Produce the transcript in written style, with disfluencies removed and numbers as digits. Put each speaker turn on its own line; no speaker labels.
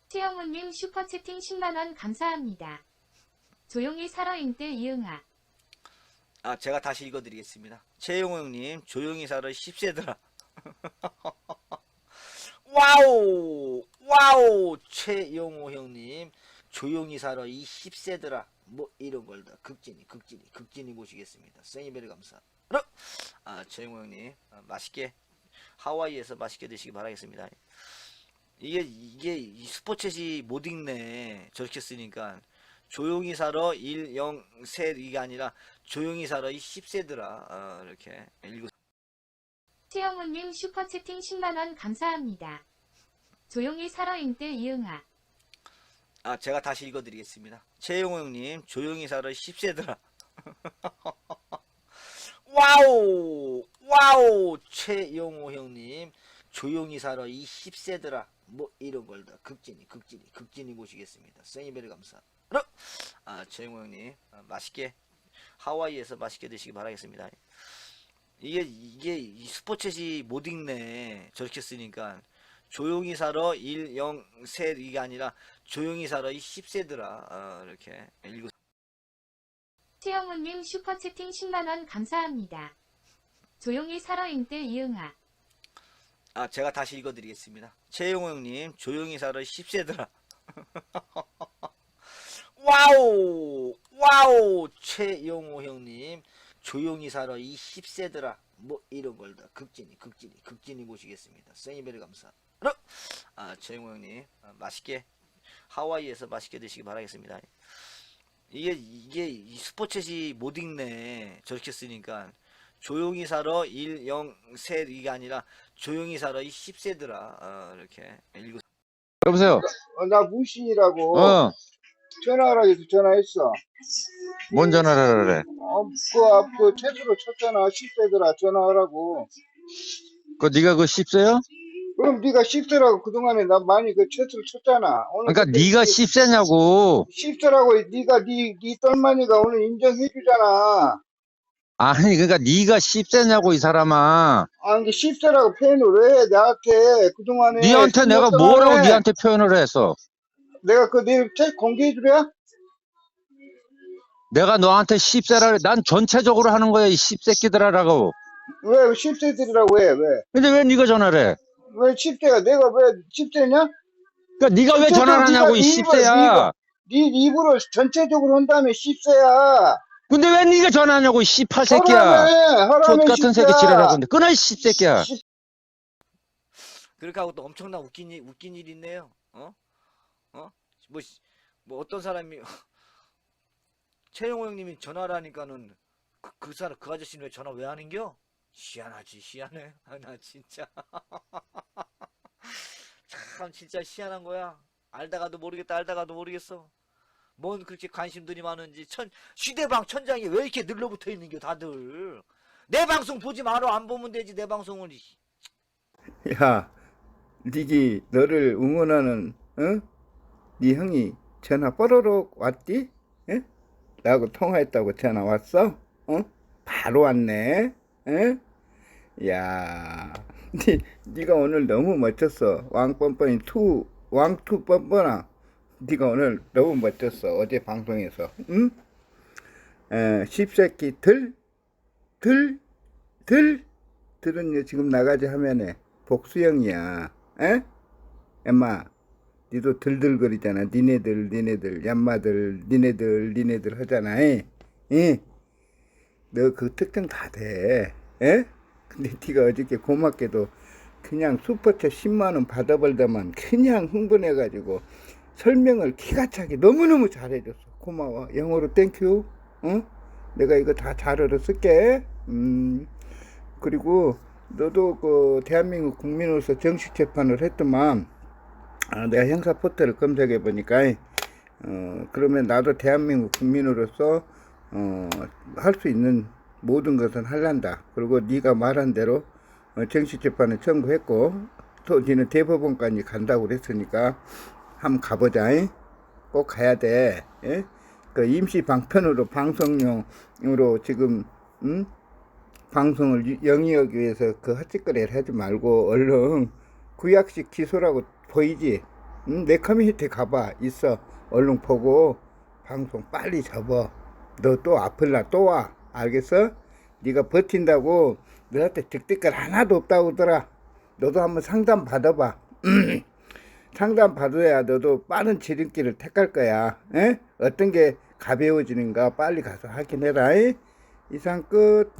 최영우님 슈퍼채팅 10만원 감사합니다. 조용히 살아임들 이응아.
제가 다시 읽어드리겠습니다. 최용호 형님, 조용히 살아 10세더라. 와우! 와우! 최용호 형님, 조용히 살아 이 10세더라. 뭐 이런 걸 다 극진히 모시겠습니다. 생이베리 감사. 최용호 형님, 맛있게 하와이에서 맛있게 드시기 바라겠습니다. 이게 이 스포챗이 못 읽네. 저렇게 쓰니까 조용히 살아 1, 0, 세 이게 아니라 조용히 살아 이 10세더라. 이렇게 읽고.
최영우님 슈퍼채팅 10만원 감사합니다. 조용히 살아임들 이응아.
제가 다시 읽어드리겠습니다. 최용호 형님, 조용히 살아 10세더라. 와우! 와우! 최용호 형님, 조용히 살아 이 10세더라. 뭐 이런 걸 다 극진히 모시겠습니다. 생이베리 감사. 최용호 형님, 맛있게 하와이에서 맛있게 드시기 바라겠습니다. 이게 이 스포챗이 못 읽네. 저렇게 쓰니까 조용히 살아 1, 0, 세 이게 아니라 조용히 살아 이 10세더라. 이렇게 읽고.
최영우님 슈퍼채팅 10만원 감사합니다. 조용히 살아임들 이응아.
제가 다시 읽어드리겠습니다. 최용호 형님, 조용히 살아 10세더라. 와우! 와우! 최용호 형님, 조용히 살아 이 10세더라. 뭐 이런 걸 다 극진히 모시겠습니다. 생이베리 감사. 최용호 형님, 맛있게 하와이에서 맛있게 드시기 바라겠습니다. 이게 이 스포챗이 못 읽네. 저렇게 쓰니까 조용히 살아 1, 0, 세 이게 아니라 조용히 살아 이 10세더라. 이렇게 읽고.
여보세요.
나 무신이라고
어,
전화하라 해서 전화했어.
뭔 전화를 하래?
그 채소로 쳤잖아. 10세더라 전화하라고.
네가 그 씹세요?
그럼 네가 10세라고 그동안에 나 많이 그 채소를 쳤잖아. 오늘
그러니까 네가 씹세냐고.
10세라고 네가 네 똘마니가 오늘 인정해주잖아.
아니 그러니까 네가 씹세냐고 이 사람아.
이게 10세라고 표현을 왜 해, 나한테 그동안에.
네한테 내가 뭐라고 네한테 표현을 했어?
내가 내 공개해주랴?
내가 너한테 씹세라 그래. 난 전체적으로 하는 거야 이 씹새끼들아라고.
왜 10세들이라고 해? 왜?
근데 왜 네가 전화를 해?
왜 10세가 내가 왜 10세냐?
그러니까 네가 왜 전화를 하냐고 이 씹새야.
네 입으로 전체적으로 한다음에 10세야.
근데 왜 네가 전화하냐고 이 씹팔 새끼야.
하라며
족같은 새끼 지랄하고 있는데 끊어 이 씹새끼야.
그렇게 하고 또 엄청난 웃긴 일 있네요. 뭐 어떤 사람이 최용호 형님이 전화를 하니까는 그 사람 그 아저씨는 왜 전화 왜 하는겨? 희한해. 나 진짜 참 진짜 희한한 거야. 알다가도 모르겠어. 뭔 그렇게 관심들이 많은지 휴대방 천장에 왜 이렇게 늘러붙어 있는겨 다들. 내 방송 보지 마라. 안 보면 되지 내 방송을.
야, 니기 너를 응원하는 네 형이 전화 뽀로록 왔디? 에? 나하고 통화했다고 전화 왔어? 바로 왔네. 에? 야, 니가 오늘 너무 멋졌어. 왕뻔뻔이 왕투 뻔뻔아. 니가 오늘 너무 멋졌어. 어제 방송에서. 응? 십새끼 들은 지금 나가지 화면에 복수형이야. 에? 엠마, 니도 들들거리잖아. 니네들, 얌마들, 니네들 하잖아. 에? 너 그 특징 다 돼. 에? 근데 니가 어저께 고맙게도 그냥 슈퍼챗 10만원 받아벌다만 그냥 흥분해가지고 설명을 기가 차게 너무너무 잘해줬어. 고마워. 영어로 땡큐. 내가 이거 다 잘 알아쓸게. 그리고 너도 그 대한민국 국민으로서 정식 재판을 했더만 내가 형사 포털을 검색해 보니까 그러면 나도 대한민국 국민으로서 할 수 있는 모든 것은 할란다. 그리고 네가 말한 대로 정식 재판을 청구했고 또 니는 대법원까지 간다고 그랬으니까 한번 가보자. 꼭 가야 돼. 예? 그 임시 방편으로 방송용으로 지금 방송을 영위하기 위해서 그 헛짓거리를 하지 말고 얼른 구약식 기소라고 보이지? 내 커뮤니티 가봐. 있어. 얼른 보고 방송 빨리 접어. 너 또 아플라 또 와. 알겠어? 네가 버틴다고 너한테 득대깔 하나도 없다고 하더라. 너도 한번 상담 받아봐. 상담 받아야 너도 빠른 지름길을 택할 거야. 에? 어떤 게 가벼워지는가 빨리 가서 확인해라. 이상 끝.